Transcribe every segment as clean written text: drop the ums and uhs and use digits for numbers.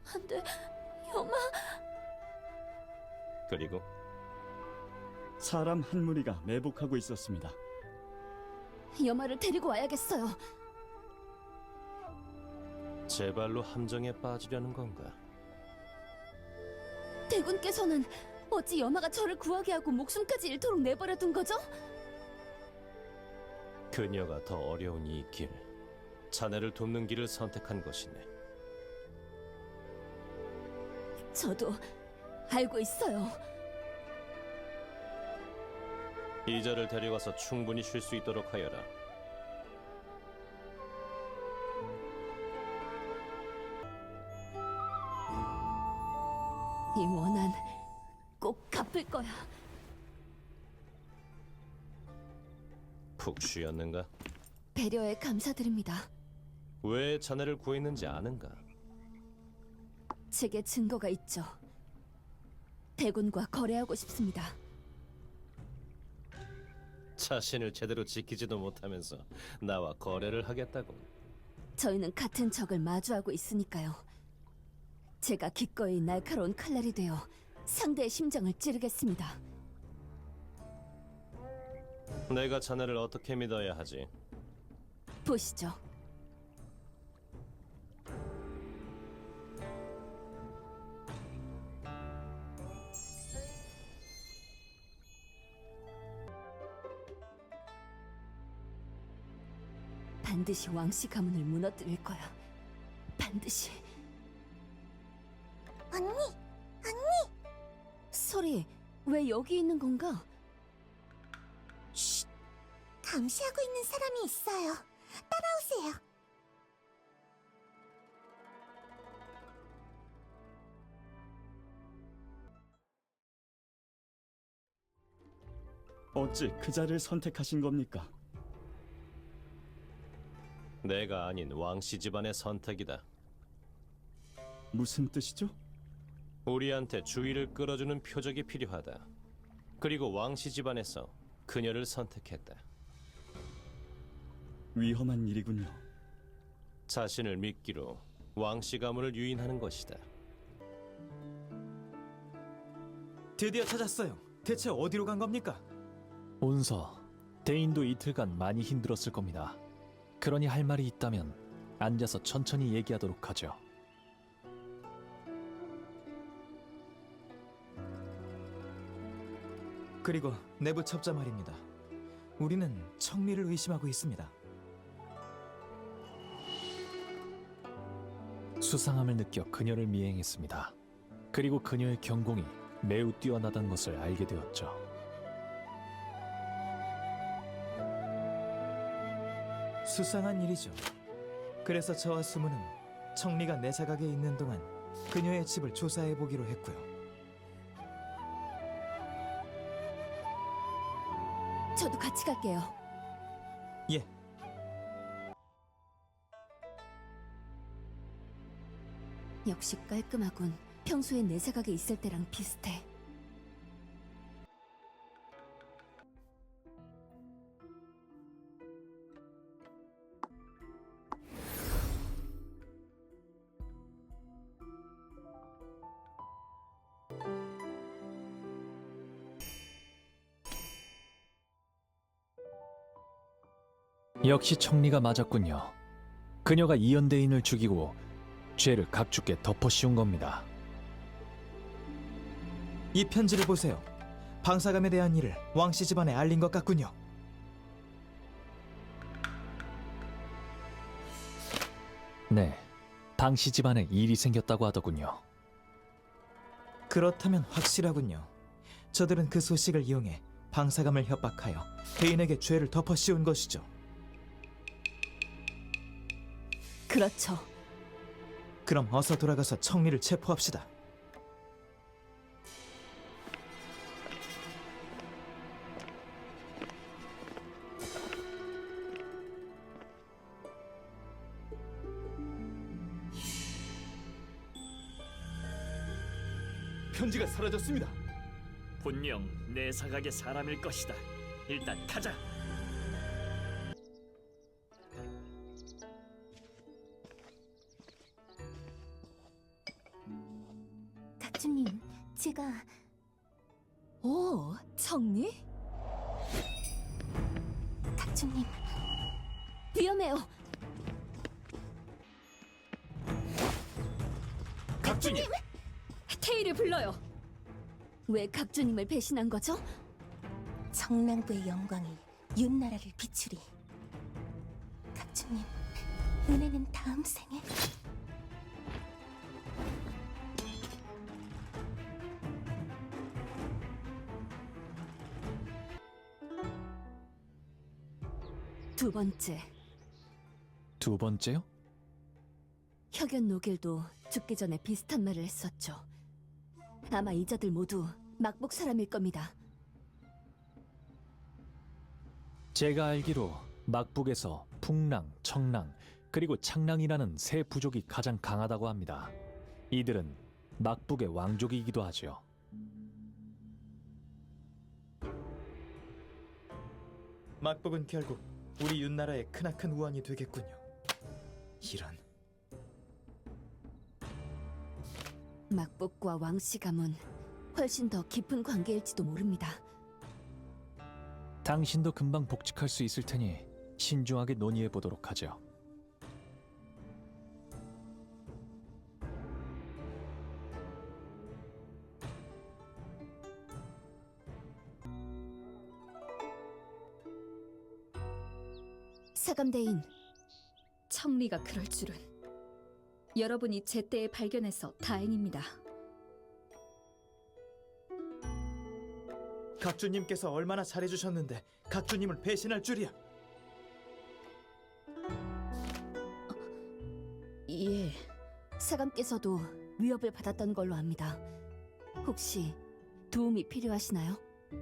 안 돼, 여마. 그리고 사람 한 무리가 매복하고 있었습니다. 여마를 데리고 와야겠어요. 제 발로 함정에 빠지려는 건가? 대군께서는 어찌 여마가 저를 구하게 하고 목숨까지 잃도록 내버려둔 거죠? 그녀가 더 어려운 이 길, 자네를 돕는 길을 선택한 것이네. 저도 알고 있어요. 이자를 데려가서 충분히 쉴 수 있도록 하여라. 이 원한 꼭 갚을 거야. 푹 쉬었는가? 배려에 감사드립니다. 왜 자네를 구했는지 아는가? 제게 증거가 있죠. 대군과 거래하고 싶습니다. 자신을 제대로 지키지도 못하면서 나와 거래를 하겠다고. 저희는 같은 적을 마주하고 있으니까요. 제가 기꺼이 날카로운 칼날이 되어 상대의 심장을 찌르겠습니다. 내가 자네를 어떻게 믿어야 하지? 보시죠. 반드시 왕씨 가문을 무너뜨릴 거야. 반드시. 언니! 소리, 왜 여기 있는 건가? 쉿! 감시하고 있는 사람이 있어요. 따라오세요. 어찌 그 자를 선택하신 겁니까? 내가 아닌 왕씨 집안의 선택이다. 무슨 뜻이죠? 우리한테 주의를 끌어주는 표적이 필요하다. 그리고 왕씨 집안에서 그녀를 선택했다. 위험한 일이군요. 자신을 믿기로 왕씨 가문을 유인하는 것이다. 드디어 찾았어요. 대체 어디로 간 겁니까? 온서, 대인도 이틀간 많이 힘들었을 겁니다. 그러니 할 말이 있다면 앉아서 천천히 얘기하도록 하죠. 그리고 내부 첩자 말입니다. 우리는 청미를 의심하고 있습니다. 수상함을 느껴 그녀를 미행했습니다. 그리고 그녀의 경공이 매우 뛰어나다는 것을 알게 되었죠. 수상한 일이죠. 그래서 저와 수문은 청미가 내 사각에 있는 동안 그녀의 집을 조사해 보기로 했고요. 저도 같이 갈게요. 예, 역시 깔끔하군. 평소에 내 생각에 있을 때랑 비슷해. 역시 청리가 맞았군요. 그녀가 이연대인을 죽이고 죄를 각주께 덮어씌운 겁니다. 이 편지를 보세요. 방사감에 대한 일을 왕씨 집안에 알린 것 같군요. 네, 방씨 집안에 일이 생겼다고 하더군요. 그렇다면 확실하군요. 저들은 그 소식을 이용해 방사감을 협박하여 대인에게 죄를 덮어씌운 것이죠. 그렇죠. 그럼 어서 돌아가서 청미를 체포합시다. 편지가 사라졌습니다. 분명 내 사각의 사람일 것이다. 일단 가자. 제가 오, 청리? 각주님, 위험해요. 각주님! 테이를 불러요. 왜 각주님을 배신한 거죠? 정랑부의 영광이 윤나라를 비추리. 각주님, 은혜는 다음 생에. 두 번째, 두 번째요? 혁연 노길도 죽기 전에 비슷한 말을 했었죠. 아마 이자들 모두 막복 사람일 겁니다. 제가 알기로 막북에서 풍랑, 청랑, 그리고 창랑이라는 세 부족이 가장 강하다고 합니다. 이들은 막북의 왕족이기도 하죠. 막북은 결국 우리 윤나라의 크나큰 우환이 되겠군요. 이런. 막복과 왕씨 가문 훨씬 더 깊은 관계일지도 모릅니다. 당신도 금방 복직할 수 있을 테니 신중하게 논의해 보도록 하죠. 사감대인, 청리가 그럴 줄은. 여러분이 제때에 발견해서 다행입니다. 각주님께서 얼마나 잘해주셨는데 각주님을 배신할 줄이야. 예. 사감께서도 위협을 받았던 걸로 압니다. 혹시 도움이 필요하시나요?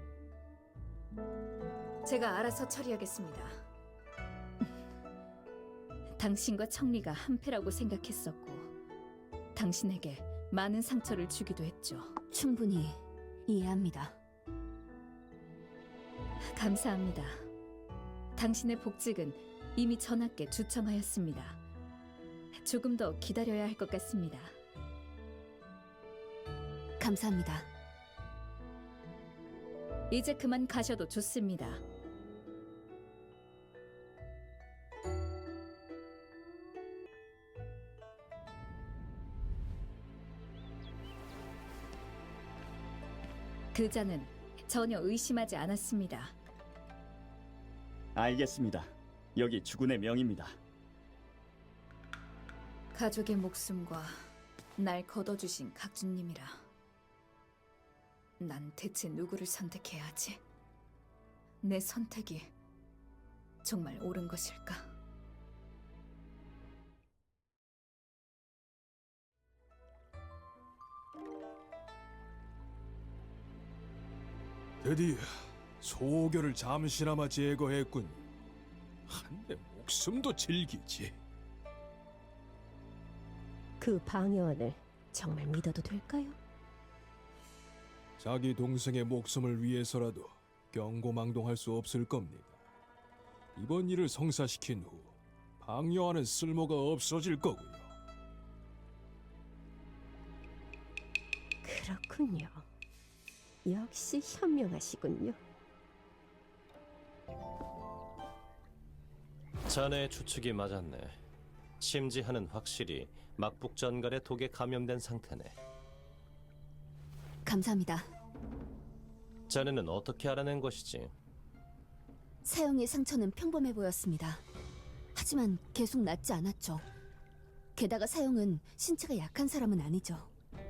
제가 알아서 처리하겠습니다. 당신과 청리가 한패라고 생각했었고 당신에게 많은 상처를 주기도 했죠. 충분히 이해합니다. 감사합니다. 당신의 복직은 이미 전하께 주청하였습니다. 조금 더 기다려야 할 것 같습니다. 감사합니다. 이제 그만 가셔도 좋습니다. 그 자는 전혀 의심하지 않았습니다. 알겠습니다. 여기 주군의 명입니다. 가족의 목숨과 날 거둬주신 각주님이라. 난 대체 누구를 선택해야 하지? 내 선택이 정말 옳은 것일까? 드디어 소교를 잠시나마 제거했군. 한데 목숨도 질기지. 그 방해원을 정말 믿어도 될까요? 자기 동생의 목숨을 위해서라도 경고망동할 수 없을 겁니다. 이번 일을 성사시킨 후 방여하는 쓸모가 없어질 거고요. 그렇군요. 역시 현명하시군요. 자네의 추측이 맞았네. 심지하는 확실히 막북 전갈의 독에 감염된 상태네. 감사합니다. 자네는 어떻게 알아낸 것이지? 사형의 상처는 평범해 보였습니다. 하지만 계속 낫지 않았죠. 게다가 사형은 신체가 약한 사람은 아니죠.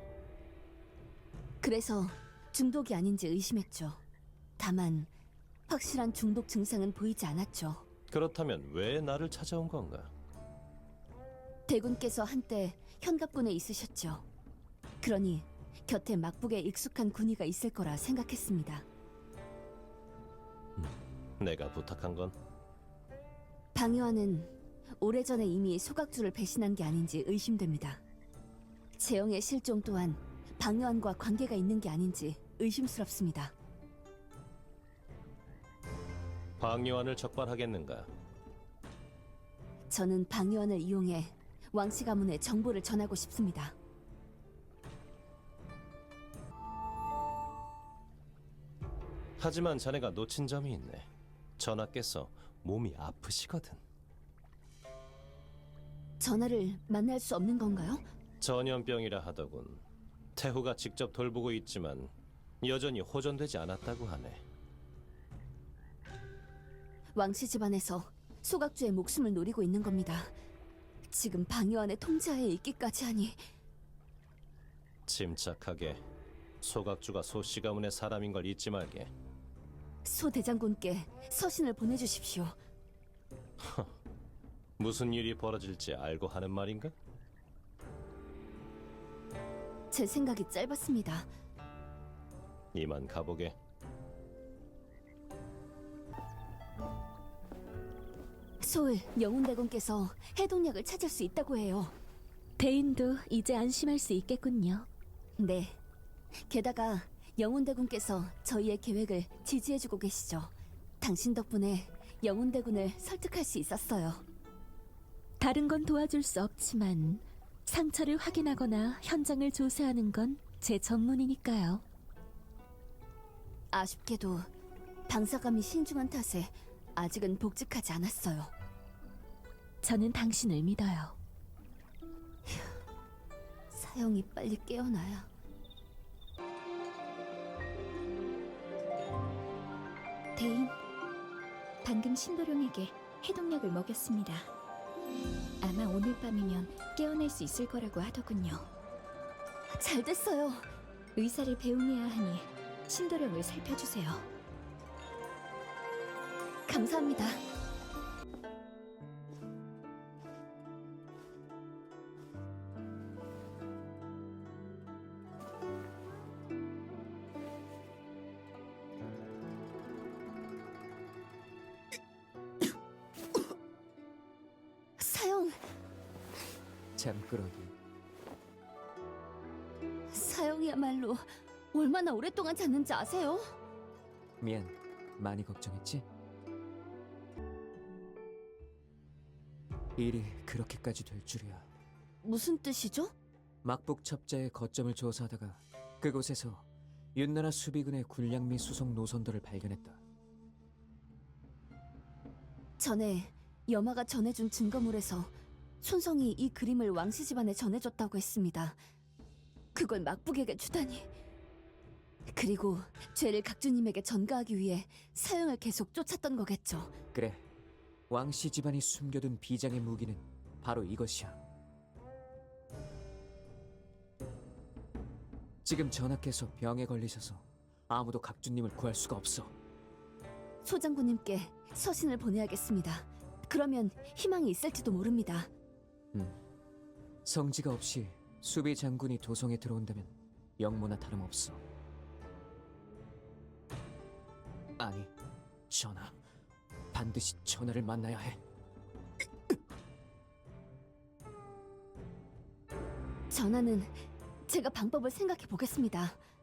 그래서 중독이 아닌지 의심했죠. 다만 확실한 중독 증상은 보이지 않았죠. 그렇다면 왜 나를 찾아온 건가? 대군께서 한때 현갑군에 있으셨죠. 그러니 곁에 막북에 익숙한 군의가 있을 거라 생각했습니다. 내가 부탁한 건? 방요한은 오래전에 이미 소각주를 배신한 게 아닌지 의심됩니다. 재영의 실종 또한 방요한과 관계가 있는 게 아닌지 의심스럽습니다. 방요한을 적발하겠는가? 저는 방요한을 이용해 왕씨 가문에 정보를 전하고 싶습니다. 하지만 자네가 놓친 점이 있네. 전하께서 몸이 아프시거든. 전하를 만날 수 없는 건가요? 전염병이라 하더군. 태후가 직접 돌보고 있지만 여전히 호전되지 않았다고 하네. 왕씨 집안에서 소각주의 목숨을 노리고 있는 겁니다. 지금 방요한의 통제하에 있기까지 하니 침착하게. 소각주가 소씨 가문의 사람인 걸 잊지 말게. 소 대장군께 서신을 보내주십시오. 무슨 일이 벌어질지 알고 하는 말인가? 제 생각이 짧았습니다. 이만 가보게. 소을 영훈대군께서 해독약을 찾을 수 있다고 해요. 대인도 이제 안심할 수 있겠군요. 네. 게다가 영훈대군께서 저희의 계획을 지지해주고 계시죠. 당신 덕분에 영훈대군을 설득할 수 있었어요. 다른 건 도와줄 수 없지만 상처를 확인하거나 현장을 조사하는 건 제 전문이니까요. 아쉽게도 방사감이 신중한 탓에 아직은 복직하지 않았어요. 저는 당신을 믿어요. 사형이 빨리 깨어나야. 대인, 방금 신도령에게 해독약을 먹였습니다. 아마 오늘 밤이면 깨어날 수 있을 거라고 하더군요. 잘 됐어요. 의사를 배웅해야 하니 신도령을 살펴주세요. 감사합니다. 사형, 잠꾸러기. 사형이야말로 얼마나 오랫동안 잤는지 아세요? 미안, 많이 걱정했지? 일이 그렇게까지 될 줄이야. 무슨 뜻이죠? 막북 첩자의 거점을 조사하다가 그곳에서 윤나라 수비군의 군량 및 수송 노선도를 발견했다. 전에 여마가 전해준 증거물에서 손성이 이 그림을 왕씨 집안에 전해줬다고 했습니다. 그걸 막북에게 주다니. 그리고 죄를 각주님에게 전가하기 위해 사형을 계속 쫓았던 거겠죠. 그래, 왕씨 집안이 숨겨둔 비장의 무기는 바로 이것이야. 지금 전하께서 병에 걸리셔서 아무도 각주님을 구할 수가 없어. 소장군님께 서신을 보내야겠습니다. 그러면 희망이 있을지도 모릅니다. 성지가 없이 수비 장군이 도성에 들어온다면 영모나 다름없어. 아니, 전하. 반드시 전하를 만나야 해. 전하는 제가 방법을 생각해 보겠습니다.